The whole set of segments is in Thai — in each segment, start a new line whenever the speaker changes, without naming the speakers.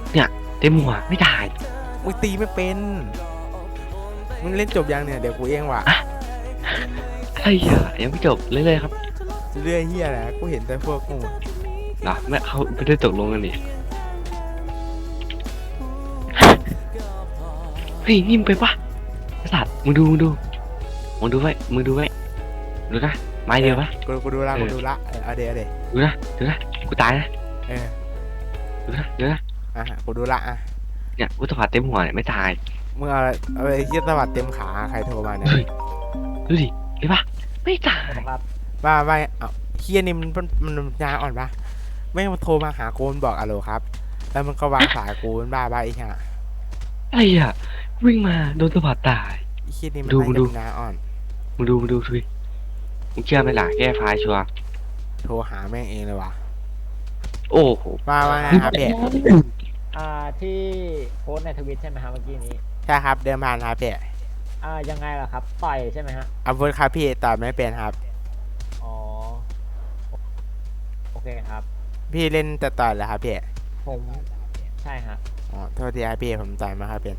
เนี่ยเต็มหัวไม่ได้
มึงตีไม่เป็นมึงเล่นจบยังเนี่ยเดี๋ยวกูเองว่ะ
อะอะไรอ่ะยังไม่จบเลยครับ
เรื่อยเฮียแหละกูเห็นแต่พวกกู
เหรอไม่เขาไม่ได้ตกลงกันนี่เฮ้ยนิ่มไปปะไอ้สัตว์มึงดูไว้ดูนะไม้เดียวปะ
กูดูละเอาเดี๋ยว
ดูนะกูตายนะ
เออ
ดูนะ
กูดูละอ่ะ
เนี่ยกูตะผัดเต็มหัวเนี่ยไม่ตาย
มึงเอาไอ้เฮียตวัดเต็มขาใครโทรมาเนี่ย
เฮ้ยดูดิเห็นปะไม่ตาย
ครับ
บ้าเอ้าเฮียนี่มันยาอ่อนปะไม่มาโทรมาหากูมันบอกอะโหลครับแล้วมันก็วางสายกูมันบ้าไอ้ห่า
อะไรอ่ะวิ่งมาโดนตะผัดตาย
ไอ้เฮียนี่มัน
ดู
น่า
มึง
จะ
ดู
เป็นยาอ่อน
มึงดูดิมึงเชื่อไหมล่ะแก้ไฟล์ชัวร์
โทรหาแม่งเองเลยวะ
โอ้โห
ว่าไงครับเพ่
ที่โพสต์ในทวิตใช่ไหมครับเมื่อกี้นี้
ใช่ครับเดินผ่านครับเพ่
ยังไงล่ะครับต่อยใช่ไหมฮะ
อาวุธครับพี่ตอบไม่เป็นครับ
อ๋อโอเคครับ
พี่เล่นแต่ต่อยเหรอครับพี่
ผมใช่ฮะ
อ๋อโทษทีครับพี่ผมต่อยมาครับเป็น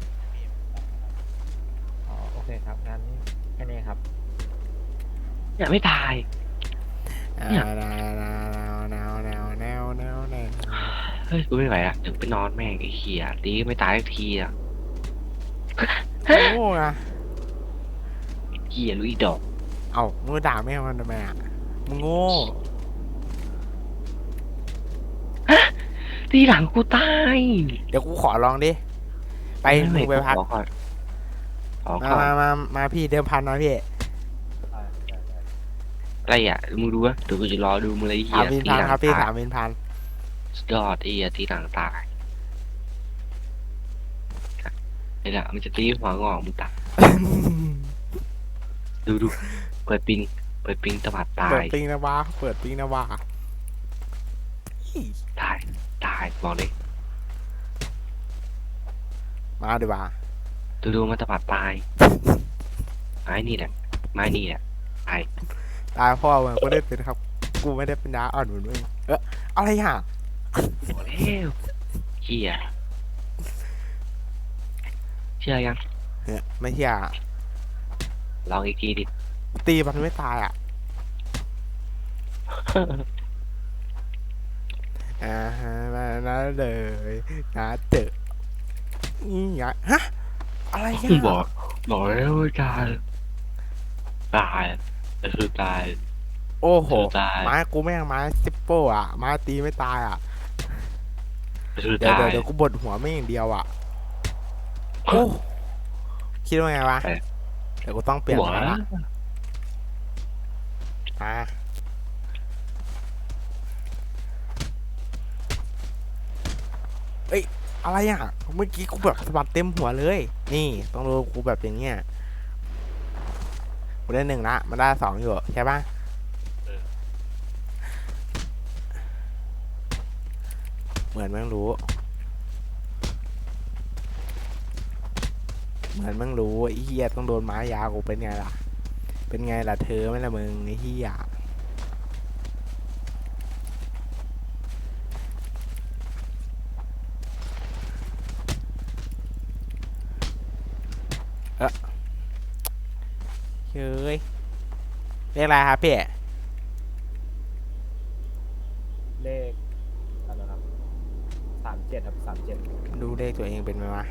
อ๋อโอเคครับงั้นแค่นี้ครับ
เนี่ยไม่ตาย เนี่ย
แนว
เฮ้ยกูไม่ไหวอ่ะถึงไปนอนแม่งไอ้เหี้ยตีก็ไม่ตายสักทีอ่ะ
โง่นะ
เหี้ยลุยดอก
เอ้ามึงด่าแม่มันทำไมอ่ะมึงโง่
ตีหลังกูตาย
เดี๋ยวกูขอลองดิไปมึงไปพัก
ขอก่อนขอ
มา
ก่อน
มาพี่เดิมพันนะพี่
อะไรอ่ะมึงดูวะเดี๋ยวกูจะรอดูมึงเลยไอ้
สา
เหี้
ม
ย
วิน
ตี
พัน
หลัง
ครับพี่
ตาย
3,000
สุดยอดไอ้เหี้ยตีหลังตายไอ้ละมันจะตีหัวงอกมึงตายดูเปิดปิงตะบัดตา
เปิด
ย
ปิงนะวะเปิดปิงนะวะ
ตายบอกเลย
มาดีกว่า
ดูมันตะบัดตายไม้นี่แหละตาย
ตายพ่อมึงก็ได้เป็นครับ กูไม่ได้เป็นยาอ่อนเหมือนมึงอะไรห่ะ
บอกแล้วเหี้ยเชื่อยัง
เนี่ยไม่เชื่อ
ลองอีกทีดิ
ตีมันไม่ตายอ่ะฮะนะเลยนะเจอนี่ไงฮะอะไรอ่ะ
บอกแล้วว่าตายแต่คือตาย
โอ้โห
ตาย
ไม้กูแม่งไม้ซิปโป้อ่ะไม้ตีไม่ตายอ่ะ
คือ
เดี๋ยว
ตาย
เดี๋ยวกูบดหัวไม่อย่างเดียวอ่ะโอ้คิดว่าไงวะเดี๋ยวกูต้องเปลี่ยน
บอก
มา
แล้ว
ละอ่ะเอ้ยอะไรอ่ะเมื่อกี้กูแบบสะบัดเต็มหัวเลยนี่ต้องดูกูแบบอย่างเงี้ยกูได้1ละมันได้2อยู่ใช่ปะเหมือนแม่งรู้ไอ้เฮียต้องโดนไม้ยาวกูเป็นไงล่ะเธอไม่ละมึงไอ้เฮียเฮ้ยเรียกอะไรครับพี่
เลขอะไรครับ37ครับ37
ดูเลขตัวเองเป็นไหมวะ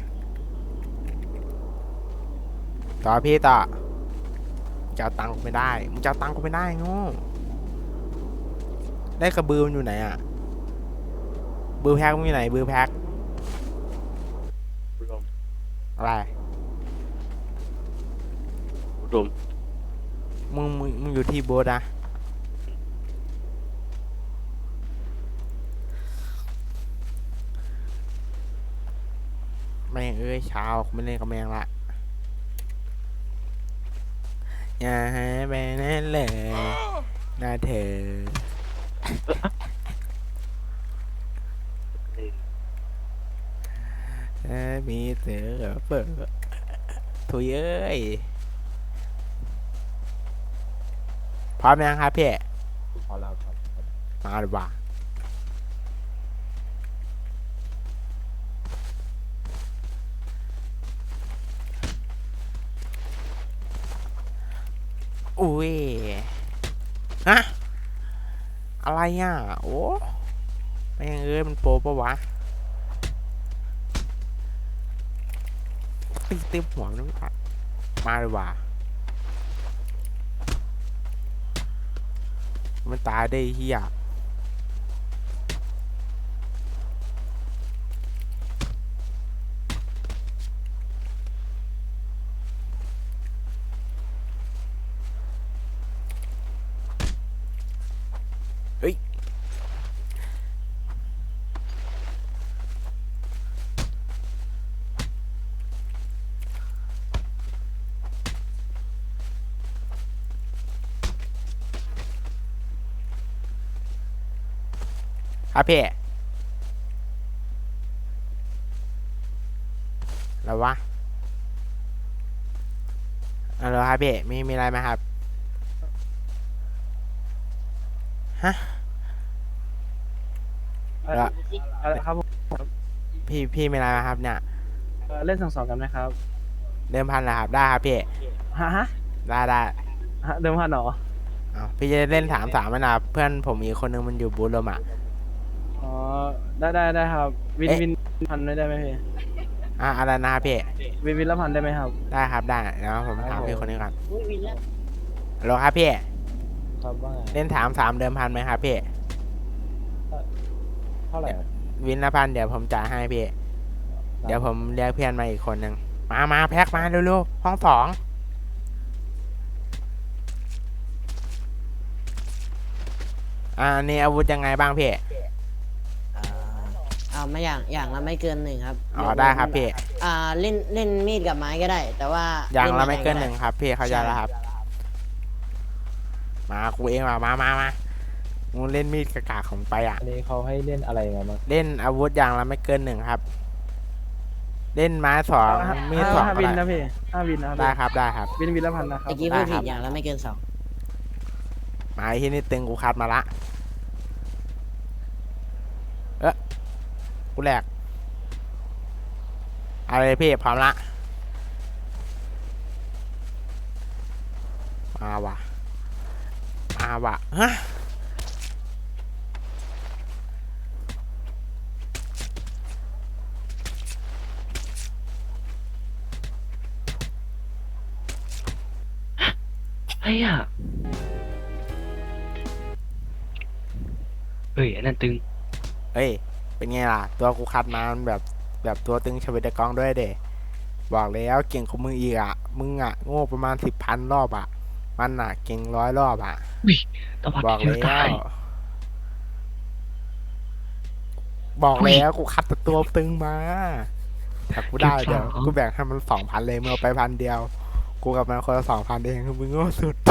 ต่อพี่ต่อจะเอาตังค์กูไม่ได้มึงจะเอาตังค์กูไม่ได้โง่ได้กระบือมันอยู่ไหนอ่ะบือแพ็กมันอยู่ไหนบือแพ็กอะไร
รวม
มึงอยู่ที่โบสนะแม่งเอ้ยเช้าไม่เล่นกับแม่งละอย่าให้ไปนั่นเลยนะเธอมีเสือเปิดถุยเอ้ยพร้อมยังครับพี่
พอแล้วครับ
มาดีกว่าอุ้ยฮะอะไรอ่ะโอ้แม่งเอ้ยมันโปรปะวะตีเต็มหัวมันไม่มาเลยว่ะมันตายได้เฮียเฮ้ยครับพี่แล้ววะอะไรครับพี่มีอะไรไหมครับฮะ แล้ว
อะไรครับผม
พี่มีอะไรไหมครับเนี่ย
เล่น2-2กันไหมครับ
เดิมพันเหรอครับได้ครับพี่
ฮะ
ได้
เดิมพันเหรอ
อ้าวพี่จะเล่น3-3ไหมนะเพื่อนผมอีกคนนึงมันอยู่บูธลมอ่ะ
อ๋อได้ครับวิน
เอ๊ะ
วินพันได้ไหมพี่
อะไรนะครับพี่
วินละพันได้ไหมครับ
ได้ครับได้เดี๋ยวผมถาม
ครับผม
พี่คนนี้ก่อนฮัลโหลครับพี่
ครับว่าไง
เล่น3-3เดิมพันไหมครับพี่
เท่าไหร่
วินละพันเดี๋ยวผมจ่ายให้พี่ เดี๋ยวผมเรียกเพื่อนมาอีกคนนึงมาแพ็คมาเร็วๆห้อง2อันนี้อาวุธยังไงบ้างพี่
ไม่อย่างละไม่เกิน1ครับ
อ๋อได้ครับพี่
เล่นมีดกับไม้ก็ได้ แต่ว่า
อย่างละ
ล่
ไม่เกิน
ด้
1ครับพี่เข้าใจแล้วครับ มากูเองมามึงเล่นมีดกากๆของไปอ่ะ
อันนี้เขาให้เล่นอะไรมาบ้าง
เล่นอาวุธอย่างละไม่เกิน1ครับ เล่นไม้2มีด2
5
ก็
วิน
ได้
นะพี่5 วินนะครับ
ได้ครับ
วินละพันนะครับ
ตะกี้
ได้
พูด
ครั
ผิ
บ
ดอย่างละไม่เกิน
ไม้ที่นี่ตึงกูคัดมาละกูแหลกอะไรพี่พร้อมละมาว่ะฮะ
ไอ้อะเฮ้ยอันนั้นตึง
เฮ้ยเป็นไงล่ะตัวกูคัดมามันแบบตัวตึงชเวดกองด้วยเดบอกแล้วเก่งของมึงอีกอ่ะมึงอ่ะโง่ประมาณ10,000 รอบอ่ะมันอ่ะเก่ง100 รอบอ่ะ
ตะวัด
บอก
เดียว
แล้
ตา
วย บอกแล้วกูคัดแต่ตัวตึงมาถ้ากูได้เดี๋ยวกูแบ่งให้มัน2,000เลยมึงเอาไป1,000 เดียวกูกับมันคนละ2,000เองมึงโง่สุด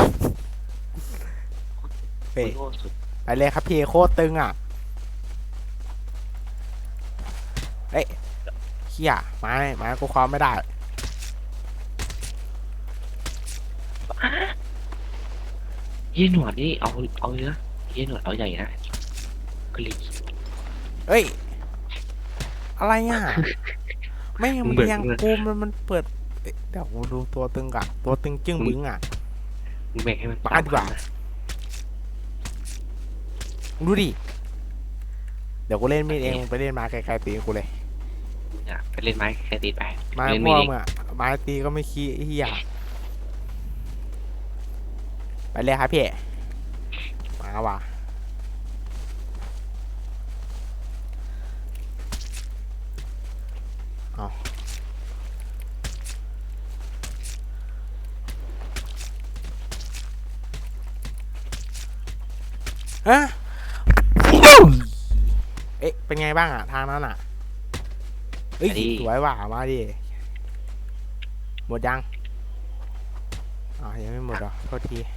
เฮ้ย
โง่สุด
ไปเลยครับพี่โคตรตึงอ่ะเฮ้ยเขี้ยไม้กูคว้าไม่ได้
เยี่ยหนวดนี่เอาเยอะเยี่ยหนวดเอาใหญ่นะกรี
เอ้ยอะไรอ่ะไม่
มึ
มัน
งเบิก
ยัง
เงิน
กูมันเปิดเอ้ยเดี๋ยวกูดูตัวตึงก่อนตัวตึงจึ้งบึ้งอ่ะ
มึงแบ่งให้มัน
บ้าดีกว่า มึงดูดิเดี๋ยวกูเล่นมีดเองมึงไปเล่นไม้ไกลๆตีกูเลย
มึงอะไปเล่นไม้แค่ตีไป
ไม้
เล่น
พ่
มี
อ
ดเอง
มึงอ่ะไม้ตีก็ไม่ขี้เฮียไปเลยครับพี่มาว่ะเอาฮะเอ๊ะเป็นไงบ้างอ่ะทางนั้นอ่ะเอ้ยสวยว่ะมาดิหมดยังยังไม่หมดเหรอโทษที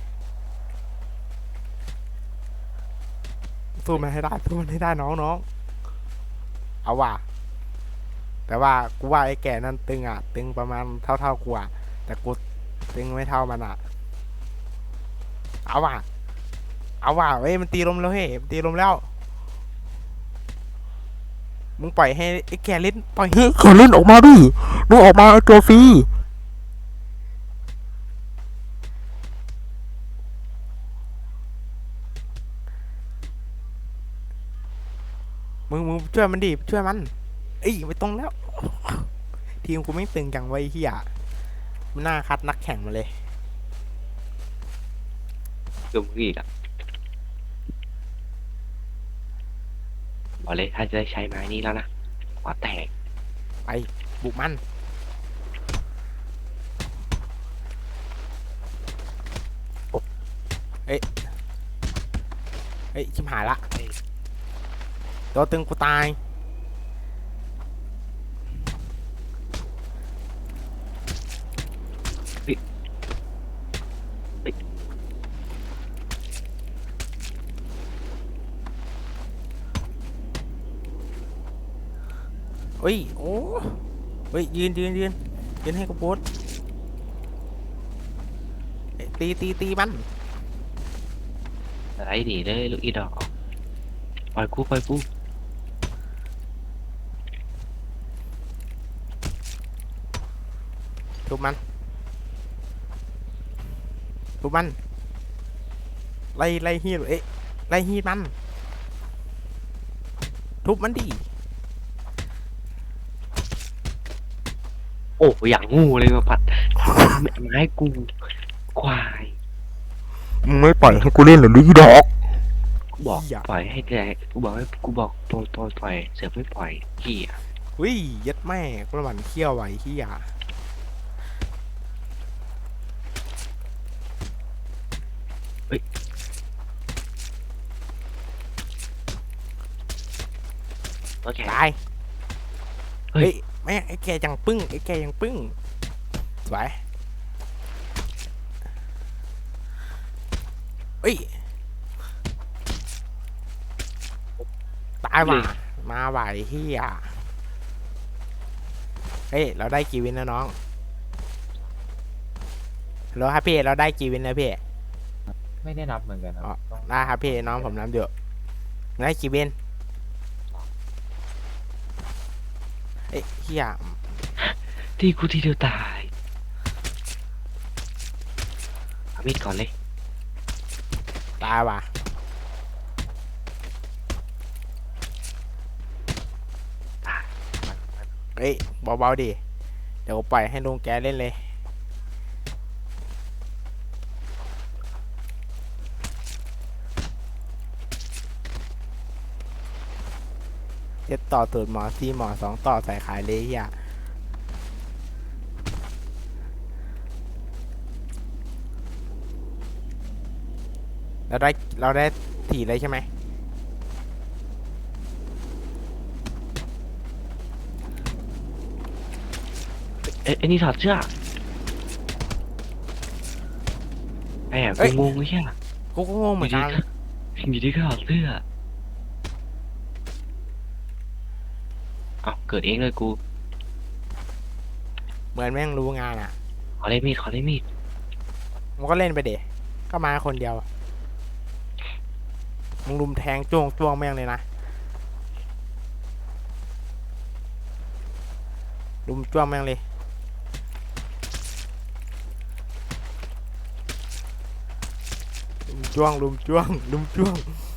สู้มันให้ได้น้องเอาว่ะแต่ว่ากูว่าไอ้แก่นั่นตึงอ่ะตึงประมาณเท่ากูอ่ะแต่กูตึงไม่เท่ามันอ่ะเอาว่ะเฮ้ยมันตีลมแล้วเฮ้ยมันตีลมแล้วมึงปล่อยให้ไอ้แก่เล่นปล่อยให้เขาเล่นออกมาดิมึงออกมาไอ้ตัวฟรีช่วยมันดิช่วยมันเอ้ยไม่ตรงแล้ว ทีมกูไม่ตึงจังไว้เฮียมันน่าคัดนักแข่งมาเลย
ดูมึงอีกอ่ะบอกเลยถ้าจะได้ใช้ไม้นี้แล้วนะหัวแตก
ไปบุกมันเอ้ยชิมหายละตัวตึงกูตายเฮ้ยโอ้เฮ้ยยืนให้กูโพสตีมัน
อะไรดีเลยลูกอีดอกปล่อยกู
ทุบมันไล่ฮีดไล่ฮีดมันทุบมันดิ
โอ้อย่างงูเลยมาปัดไม้กูควาย
มึงไม่ปล่อยให้กูเล่นหรืออีดอก
กูบอก
อย่า
ปล่อยให้แกกูบอกตัวปล่อยเสือไม่ปล่อยเหี้ย
วิยัดแม่กูระหว่างเคี่ยวไว้ที่ยา
โอเค
ตาย
เฮ้ย
แม่งไอ้แกยังปึ้งสวยเฮ้ยตายว่ะมาไหวที่ยาเฮ้ยเราได้กี่วินนะน้องฮัลโหลครับพี่เราได้กี่วินนะพี่
ไม่ได้นับเหมือนกันครับต้อง
ได้ครับพี่น้องผมน้ำเดือดได้กี่วินเอ้ยเฮีย
ที่กูที่เดียวตายเอามีดก่อนเลย
ตายว่ะ เฮ้ยเบาๆดิเดี๋ยวปล่อยให้ลุงแกเล่นเลยเจ็ดต่อตูดหมอซีหมอสองต่อใส่ขายเลยอ่ะเราได้ถี่เลยใช่ไหม
เอ้ยไอ้นี่ถอดเสื้อแอบกูงงไม่ใช่เหรอ
กูก็งงเหมือนกัน
อยู่ดีก็ถอดเสื้อเอ้าเกิดเองเลยกู
เหมือนแม่งรู้งานอ่ะ
ขอเล่นมีด
มันก็เล่นไปเด็ก็มาคนเดียวมึงลุมแทงจ้วงแม่งเลยนะลุมจ้วงแม่งเลยลุมจ้วงลุมจ้วงลุมจ้วง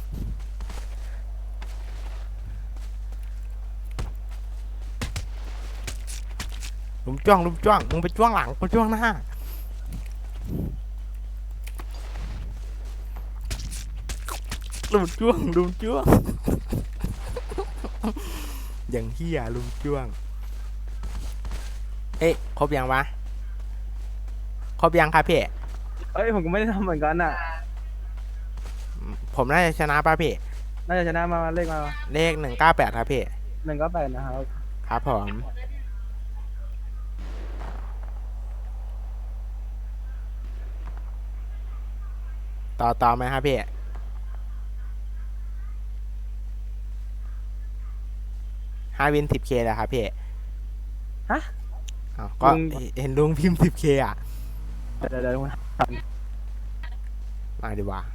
มึงไปจ้วงหลังกูจ้วงหน้าลุมจ้วงอย่างเฮียลุมจ้วงเอ๊ะครบยังวะครบยังครับพี่
เอ้ยผมก็ไม่ได้ทำเหมือนกันอ่ะ
ผมน่าจะชนะป่ะพี่
น่าจะชนะมาเลขมา
เลข198ครับพี่
198นะครับ
ครับผมต่อไหมครับพี่5 วิน 10K แล้วครับพี่
ฮะ
อ้าวก็
ลุง
เห็นลุงพิมพ์ 10K อ่ะ
เดี๋ยว
มาดีกว่า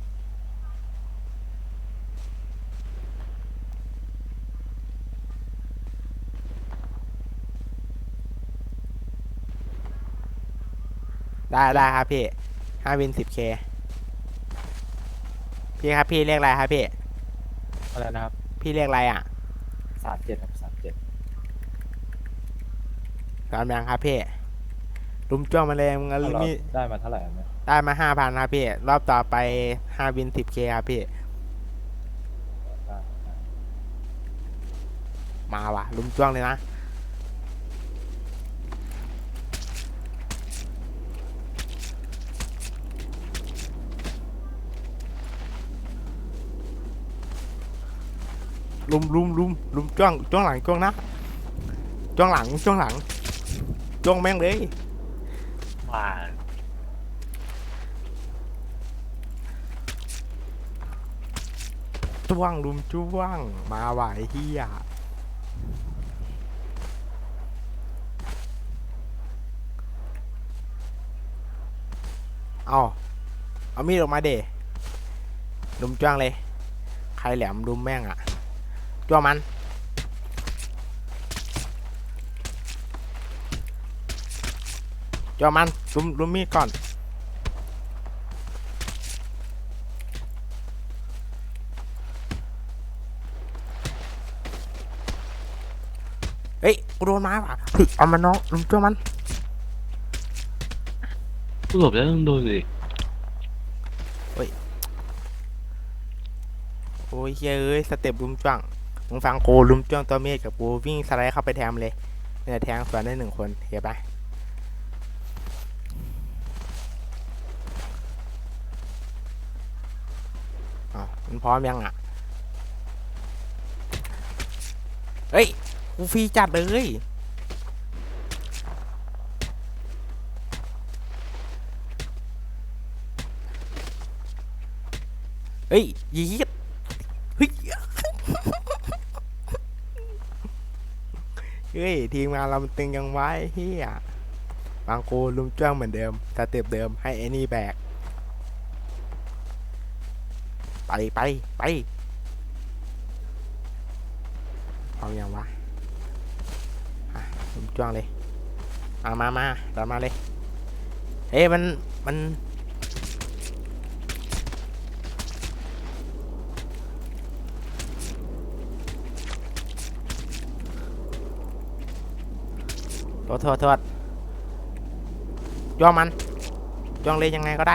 ได้ครับพี่5 วิน 10K พี่ครับพี่เรียกอะไรครับพี่
อะไรนะครับ
พี่เรียกอะไรอ่ะ
37ครับ37
ตามยังครับพี่ลุมจ้วงมาเลยมึงเอา
เรา
มี
ได้มาเท่าไหร่ครับเนี่ย
ได้มา5,000ครับพี่รอบต่อไป5 วิน 10K ครับพี่
ได้ได้
มาว่ะลุมจ้วงเลยนะลุมจ้วงหลังจ้วงนะจ้วงหลังจ้วงแม่งเลย
ว่า
จ้วงลุมจ้วงมาว่ะไอ้เหี้ยเอามีดออกมาเดลุมจ้วงเลยใครแหลมลุมแม่งอ่ะจ้วงมันจ้วงมันลุมมีดก่อนเฮ้ยกูโดนมาว่ะเฮ้ยเอามันน้องลุมจ้วงมัน
กูหลบแล้วต้องโดนเลย
โอ้ยเฮ้ยสเต็ปลุมจ้วงมึงฟังกูลุมจ้วงตัวเมฆกับกูวิ่งสไลด์เข้าไปแทงเลยเนี่ยแทงสวนได้1 คนเห็นปะอ๋อมันพร้อมยังอ่ะเฮ้ยกูฟรีจัดเลยเฮ้ยยีดเฮ้ยเฮ้ยทีมงานเรามันตึงยังไว้เฮียบางกูลุมจ้วงเหมือนเดิมสเต็ปเดิมให้ไอ้นี่แบกไปพร้อมยังวะอ่ะลุมจ้วงเลยมาตามมาเลยเฮ้ยมันโทษจ้วงมันจ้วงเลยยังไงก็ได้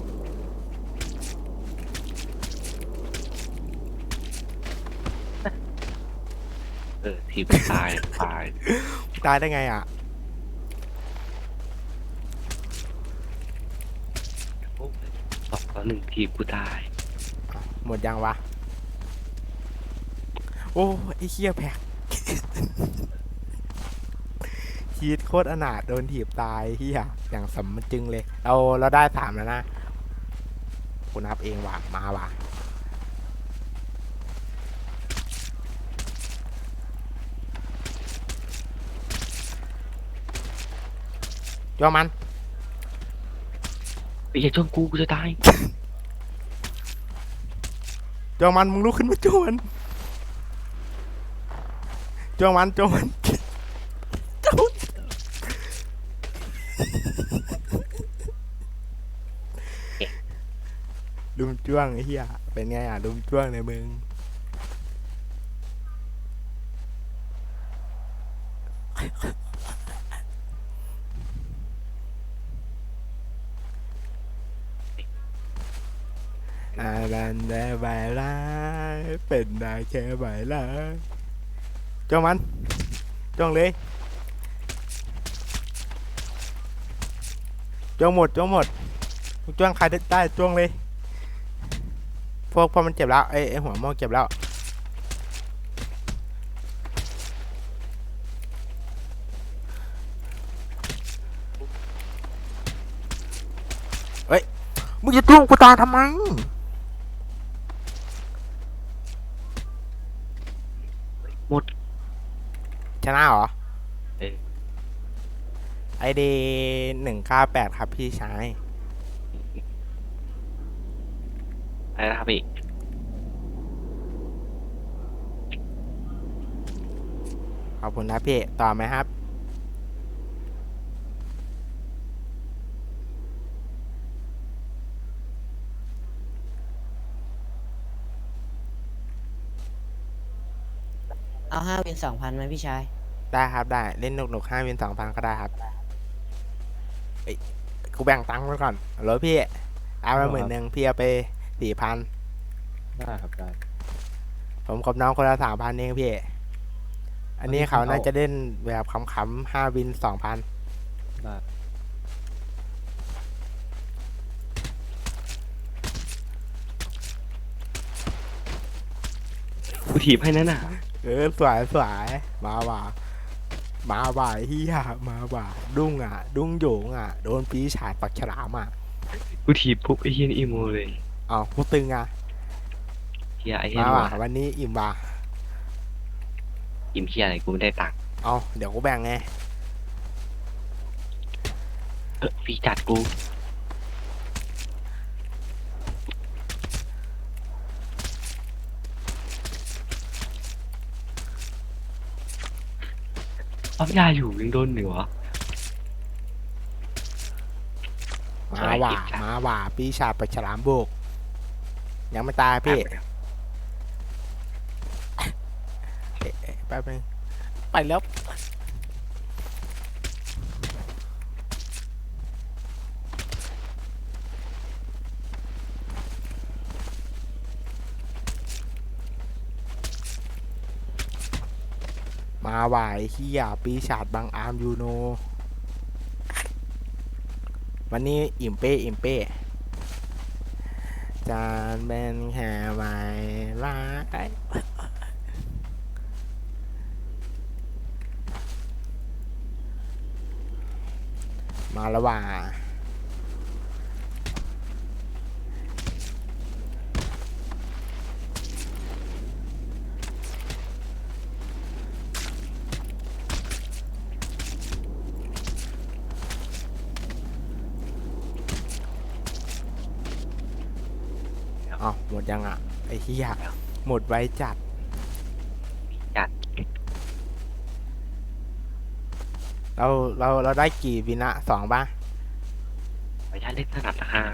ทีมตายตาย
ตายได้ไงอ่ะ
2-1ทีมกูตาย
หมดยังวะโอ้ไอ้เหี้ยแพ็ก ชีดโคตรอนาถโดนถีบตายเหี้ยอย่างสมจึงเลยเราได้3แล้วนะกูนับเองว่ะมาว่ะจ้วงมัน
ไอ้เหี้ยจ้องกูจะตาย
จ้วงมันมึงลุกขึ้นมาจ้วงมันจ้วงมันจ้วงมันจ้วงลุมจ้วงไอ้เหี้ยเป็นไงอ่ะลุมจ้วงในมึงบันได้ใบลายเป็นได้แค่ใบลายจ้องมันจ้องเลยจ้องหมดจ้องใครได้จ้องเลยพอมันเจ็บแล้วไอ้หัวโม่เจ็บแล้วเฮ้ยมึงจะจ้วงกูตายทำไม
หมด
ชนะเหรอ
เออ
ID 198ครับพี่ชาย
อะไรนะครับพี่
ขอบคุณนะพี่ต่อไหมครับ
เอา5 วิน 2,000ไหมพี่ชาย
ได้ครับได้เล่นหนุกๆ5 วิน 2,000ก็ได้ครับเอ้ยกูแบ่งตังค์ไว้ก่อนเหรอพี่เอามา10,000พี่เอาไป4,000
ได้ครับได้
ผมกับน้องคนละ3,000เองพี่อันนี้เขาน่าจะเล่นแบบขำๆ5 วิน 2,000
ได้
กูถีบให้นั่นน่ะ
สวยสวยมาว่ะมาว่ะเฮียมาว่ะดุ้งอ่ะ ดุ้งโหยงอ่ะโดนปีฉาดปักฉลามอ่ะ
กูถีบปุ๊บไอ้เฮียนี่อีโมเลย
อ้าวกูตึงอ่ะ
เฮียไอ้เฮีย
มา
นี่
ว่ะ
ว่ะ
วันนี้อิ่มว่ะ
อิ่มเฮียอะไรกูไม่ได้ตังค์
เอาเดี๋ยวกูแบ่งไง
ฟรีจัดกูปั๊บยาอยู่ยังโดนหนึ่งเหรอ
มาว่ะมาว่ะปีฉาดปักฉลามบุกยังไม่ตายพี่แป๊บนึงไปแล้วมาว่ะไอ้เฮียปีฉาดบางอาร์มยูโนวันนี้อิ่มเป้อิ่มเป้จานเป็นแค่ไม่ร้ายมาแล้วว่ะอ้าวหมดยังอ่ะไอ้เฮียหมดไว้จัด
จัด
เราได้กี่วินะ2ป่ะ
ขออนุญาตเล่นสนับราคา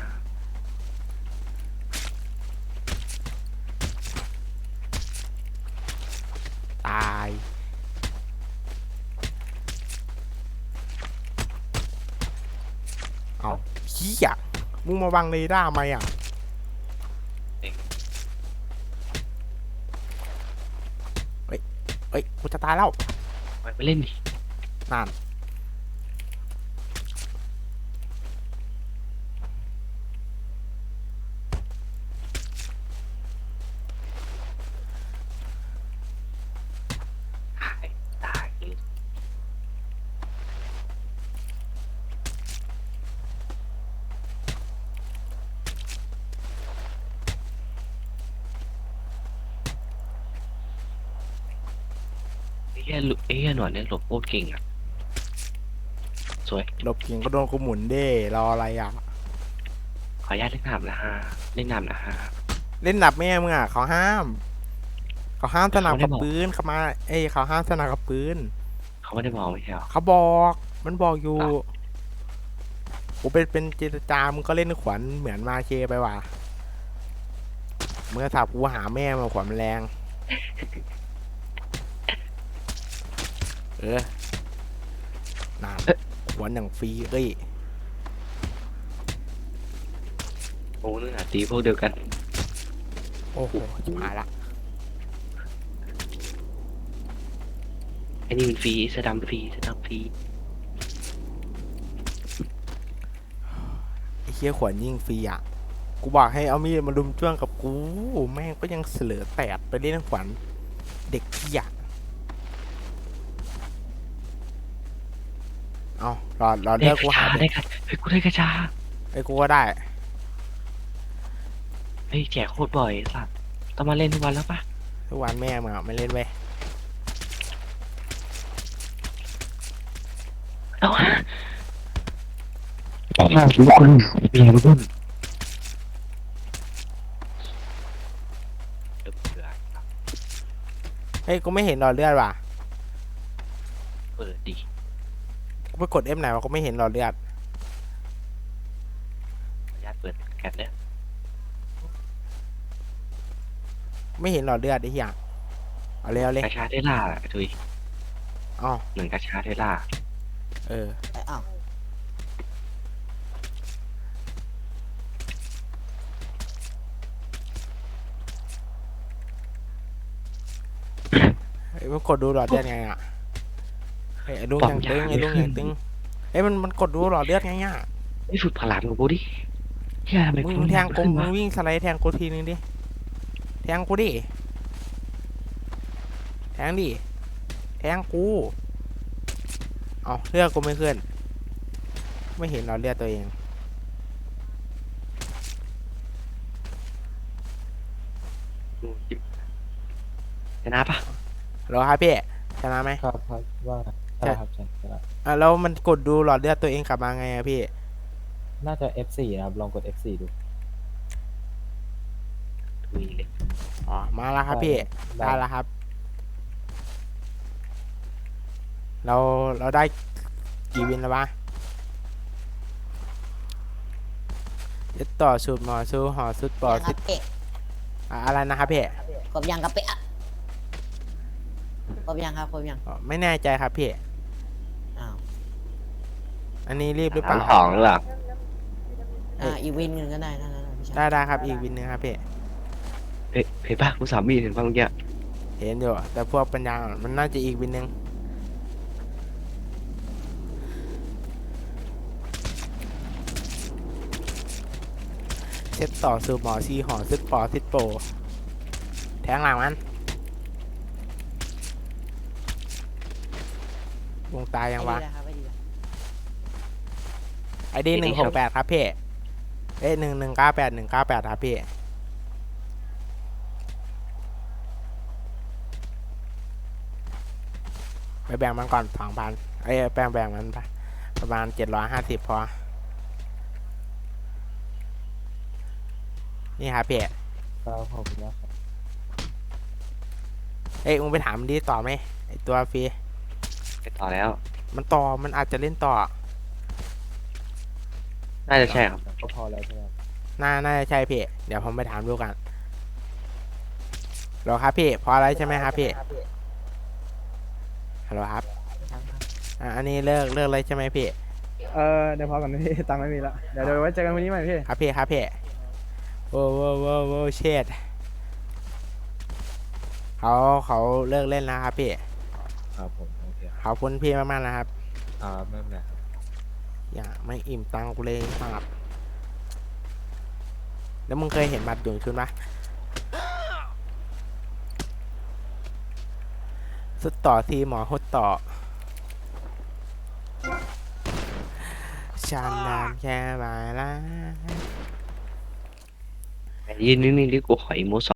ตายเอาเฮียมึงมาบังเรดาร์ไหมอ่ะเฮ้ยกูจะตายแล้ว
ไปเล่นดิ
นั่น
ตายตายไอ้เฮียหนวดเนี่ยหลบโคตรเก่งอ่ะสวย
หลบเก่งก็โดนกูหมุนเด้รออะไรอ่ะ
ขออนุญาตเล่นน้ำนะฮะเล่นน้ำนะฮะ
เล่นหนับแม่มึงอ่ะเขาห้าม เขาห้ามสนับ
เขาไม่
กับ
บอก
ปืนเขามาเขาห้ามสนับกับปืน
เขาไม่ได้บอกไม่ใช่เหรอ
เขาบอกมันบอกอยู่
อ่ะ
กูเป็นเจรจามึงก็เล่นขวัญเหมือนมาเชไปว่ะเมื่อสับกูหาแม่มาขวัญมันแรงนานขวัญอย่างฟรีเอ้ย
โอ้นึกหาตีพวกเดียวกัน
โอ้โหจิบหายละ
ไอ้นี่มันฟรีเสอดำฟรีเสอดำฟรี
ไอ้เคี้ยขวัญยิ่งฟรีอ่ะกูบอกให้เอามีดมาลุมจ้วงกับกูแม่งก็ยังเสลือแตดไปเล่นขวัญเด็กขี้ยะเอารอเลือกกูหา
ได้กระเฮ้ยกูได้กระชา
ไอ้กูก็ได้
เฮ้ยแจกโคตรบ่อยไอ้สัตว์ต้องมาเล่นทุกวันแล้วปะ
ทุกวันแม่มึงอ่ะไม่เล่นเว้ย
เอาฮะทุกคนเบียร์ทุกคนเดือด
เฮ้ยกูไม่เห็นหลอดเลือดว่ะ
เปิดดิ
กูไปกด F ไหนวะกูไม่เห็นหลอดเลือด
ขออนุญาตเปิดแคปเนี่ย
ไม่เห็นหลอดเลือดไอ้เหี้ยเอาเลยเอาเลย
กาชาเทสลาทุย
อ๋อ
เหมือนกาชาเทสลา
เออ
อ้าว
เฮ้ยมันกดดูหลอดเลือดไงอ่ะเฮ้ยไอ้ลุงอย่างตึงไอ้ลุงอย่างตึงเฮ้ยมันกดดูหลอดเลือดไงอ่ะ
ไม่ฝึกพลังกับกูดิเฮียทำไม
มึงแทงกู
ขึ้น
มึ
วะ
งวิ่งสไลด์แทงกูทีนึงดิแทงกูดิแทงดิแทงกูเอาเลือดกูไม่ขึ้นไม่เห็นหลอดเลือดตัวเอง
ชนะปะ
เหรอครับพี่ชนะไหม
ครับครับว่าใช่ครับใช่ครับ
อ่ะแล้วมันกดดูหลอดเลือดตัวเองกลับมาไงอะพี่
น่าจะ F4 นะครับลองกด F4 ดู
ทุยเลย
อ๋อมาแล้วครับพี่ได้แล้วครับ เราได้กี่วินแล้ววะยึดต่อสูตรหมอซูห่อสุดปอ
ยังค
สิ
รับเป๊ะ
อะไรนะครับพี่
ครบยังครับเป๊ะอะครบยังครับครบยัง
อ๋อไม่แน่ใจครับพี่
อ้าว
อันนี้รีบหรือเป
สา
ล่าม
สองหรือเปล่า
อีกวินหนึ่งก็ได้นะพี่ชาย
ได้ครับอีกวินหนึงครับพี่
เห็นปะกูสามีเห็นปะเมื่อกี้
เห็นอยู่แต่พวกปัญญาอ่อนมันน่าจะอีกวินหนึงเช็ดต่อสูตรหมอซีห่อสุดปอสิดโปแทงหลังมันวงตายยังวะ
ไอ้ดีนะครับไอ้ดีนะ
ไอดี168ครับพี่เอ้ย1198198ครับพี่ไปแบ่งมันก่อน2,000เอ้ยแบ่งมันไปประมาณ750พอนี่ครับพี่
ครับขอบคุณมากครับ
เอ้ยมึงไปถามมันดีต่อไหมไอตัวฟรี
ไปต่อแล้ว
มันอาจจะเล่นต่อ
น่าจะใช่ครับ
ก็พอแล้วใช่ไหมครับ
น่าจะใช่พี่เดี๋ยวผมไปถามดูกันฮัลโหลครับพี่พออะไรใช่ไหมครับพี่ฮัลโหลครับ
ครับครับ
อันนี้เลิกเลยใช่ไหมพี่
เดี๋ยวพอกันพี่ตังค์ไม่มีละเดี๋ยวไว้เจอกันวันนี้ใหม่พี่
ครับพี่โอ้โว้เชดเขาเลิกเล่นแล้วครับพี่
ครับผมโอเค
ขอบคุณพี่มากๆนะครับ
ไม่เป็นไรครับ
อย่าไม่อิ่มตังค์กูเลยครับแล้วมึงเคยเห็นบัตรดวงชุนปะสุดต่อทีหมอหดต่อชานดานแค่บายละ
ยืนนิ่งๆดิกูขออีโม